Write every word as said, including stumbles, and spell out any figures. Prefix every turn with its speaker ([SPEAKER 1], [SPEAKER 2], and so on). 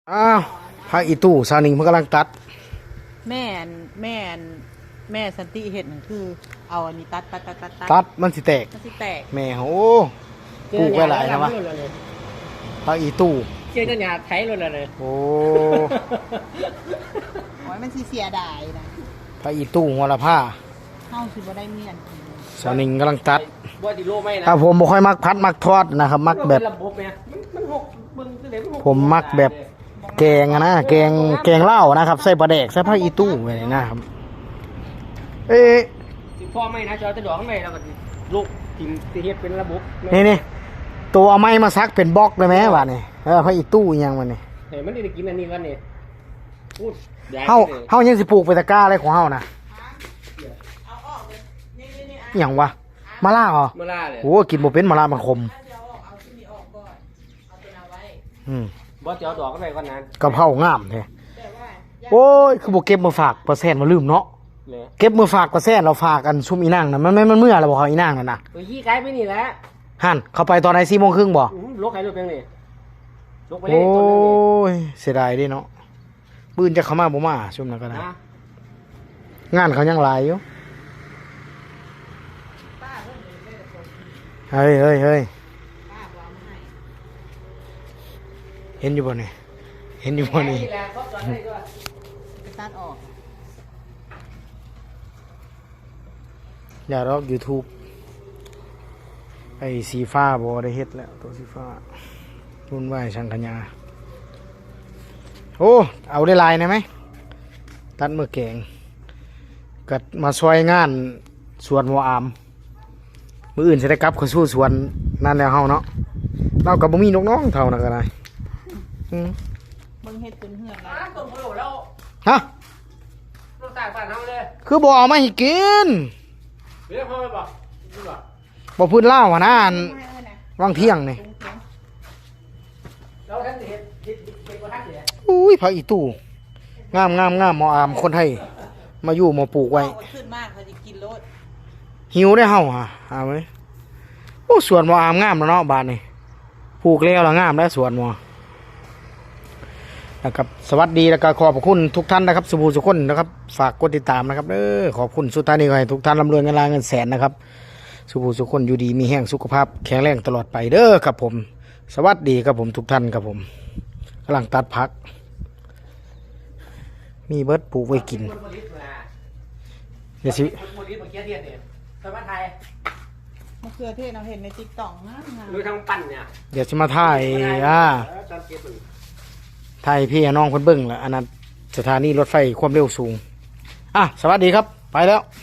[SPEAKER 1] อ้าวพระอีตู้ซานิงมันกำลังตัด
[SPEAKER 2] แม่นแม่นแม่สันติเห็ดนั่นคือ เอาอันนี้ตัดตัดตัดตัด
[SPEAKER 1] ตัดมันสิแตก
[SPEAKER 2] มันสิแตก
[SPEAKER 1] แม่โอ้ปลูกไว้หลายนะวะพระอีตู้
[SPEAKER 3] เจอกันหยาไทยเลยเลย
[SPEAKER 1] โอ้
[SPEAKER 2] โอ้ยมันสิเสียดายนะ
[SPEAKER 1] พระอีตู้หัวละผ้า
[SPEAKER 2] เฮาสิบ่ได้เมียนกิน
[SPEAKER 1] ซานิงกำลังตัด
[SPEAKER 3] บ่ติโลไม่นะ
[SPEAKER 1] ถ้าผมบ่ค่อยมักพัดมักทอดนะครับ มักแบบ
[SPEAKER 3] ระบบเนี่ยมันหกเบิ่งคือเด็ก
[SPEAKER 1] ผมมักแบบแกงอะนะแกงแกงเหล้านะครับใส่ปลาแดกใส่พระอีตู้ไว้นี่นะครับเอ๊ะ
[SPEAKER 3] สิพ่อไม่นะจอจะดอกไม่แล้วก็ลูกกินสิเฮ็ดเป็นระบบ
[SPEAKER 1] นี่นี่ตัวเอาไม้มาซักเป็นบล็อกเลยไหมวะนี่เออพระอีตู้อีหยังมันนี่
[SPEAKER 3] เฮ้ยมันได้กินอันนี้กันนี่พูด
[SPEAKER 1] เฮาเฮายังสิปลูกไปตะกร้าอะไรของเฮานะ
[SPEAKER 2] เอาออกเลยนี่นี่
[SPEAKER 1] อหย่างวะมะล่าเหรอ
[SPEAKER 3] เมื่อล่าเลย
[SPEAKER 1] โอ้กินบ่เป็นมะล่ามันคม
[SPEAKER 2] เดี๋ยวเอาเอาที่นี่ออกก่อนเอาตัวเอาไว้
[SPEAKER 1] อืม
[SPEAKER 3] บ่จะเอาดอกกันไปก่อนนั้น
[SPEAKER 1] กะเพรางามแท้
[SPEAKER 2] แต่ว่า
[SPEAKER 1] โอ้ยคือบ่เก็บมาฝากปลาแซนมาลืมเนาะ
[SPEAKER 3] เลย
[SPEAKER 1] เก็บมือฝากปลาแซนเราฝากกันซุมอีนางน่ะมันมันมันเมื่อแล้วบ่เขาอีนางนั่นน่ะ
[SPEAKER 3] โอ้ยขี้ไก่ไปนี่แหละ
[SPEAKER 1] หั่นเข้าไปตอนไหน สี่โมงครึ่งบ่
[SPEAKER 3] ลกไก่ลูกเพียงนี่ลกไปเล
[SPEAKER 1] โอ้
[SPEAKER 3] ยต้นนึงนี่
[SPEAKER 1] ยเสียดายเด้เนาะปืนจะเข้ามาบ่มาซุมนั้นก็ได้
[SPEAKER 3] นะ
[SPEAKER 1] งานเขายังหลายอยู่เฮ้ยเฮ้ยเฮ้ย
[SPEAKER 2] ป้าบ่เอามาให้
[SPEAKER 1] เห็นอยู่บ่นี่เห็นอยู่บ่นี่
[SPEAKER 3] แหละเขาจอดให้ด้วย
[SPEAKER 2] ไปตัดออก
[SPEAKER 1] อย่ารอก YouTube ไอ้สีฟ้าบ่ได้เฮ็ดแล้วตัวสีฟ้ารุ่นไหวช่างขยาโอ้เอาได้ลายได้ไหมตัดมือแกงกัดมาช่วยงานสวนหัวอามมืออื่นจะได้กลับเข้าสู่สวนนั่นแล้วเฮาเนาะเรากับบ่มีนกน้องเท่านั้นก็ได้อืม
[SPEAKER 2] เบิ่งเฮ็ดจนเหือนแล้ว
[SPEAKER 3] อ่ะต้นโพแล้ว
[SPEAKER 1] ฮะ
[SPEAKER 3] ต้นตากบ้านเฮาเลย
[SPEAKER 1] คือบ่เอามาให้กิน
[SPEAKER 3] เรียกพ่อไปบ่ดูบ่
[SPEAKER 1] บ่พื้นเล่าวหั่นนะอัน
[SPEAKER 2] ไม่เอานะ
[SPEAKER 1] วางเที่ยงนี่
[SPEAKER 2] ตรงเถียง
[SPEAKER 3] เราท่านสิเฮ็ดเฮ็ดเฮ็ดบ่ทันสิ
[SPEAKER 1] อุ้ยพระอีตู้งามงามงามหมออามคนไทยมาอยู่มาปลูกไว้
[SPEAKER 2] เอาขึ้นมากเขาจะกินโลด
[SPEAKER 1] หิวได้เฮาฮะเอาไว้โอ้สวนหมออามงามแล้วเนาะบ้านนี่ปลูกแล้วแล้วงามแล้วสวนหมอนะครับสวัสดีแล้วก็ขอบพระคุณทุกท่านนะครับสุภูสุคนนะครับฝากกดติดตามนะครับเออขอบคุณสุดท้ายนี้ขอให้ทุกท่านร่ำรวยเงินล้านเงินแสนนะครับสุภูสุคนอยู่ดีมีแห้งสุขภาพแข็งแรงตลอดไปเด้อครับผมสวัสดีครับผมทุกท่านครับผมกำลังตัดผัก มีเบิร์ดปลูกไว้กิน
[SPEAKER 3] คนผลิตมา
[SPEAKER 1] เดี๋ยวสิ
[SPEAKER 3] คนผลิตมาเกียเทียนเนี่ยสมัยไทย
[SPEAKER 2] มะเขือเทศเราเห็นในติ๊กต็อกนะงาม
[SPEAKER 3] ดูทางปั่นเนี่ย
[SPEAKER 1] เดี๋ยวสิมาถ่ายอ่า
[SPEAKER 3] ตอนเก็บมัน
[SPEAKER 1] ถ่ายพี่น้องคนเบิ้งแล้วอันนั้นสถานีรถไฟความเร็วสูงอ่ะสวัสดีครับไปแล้ว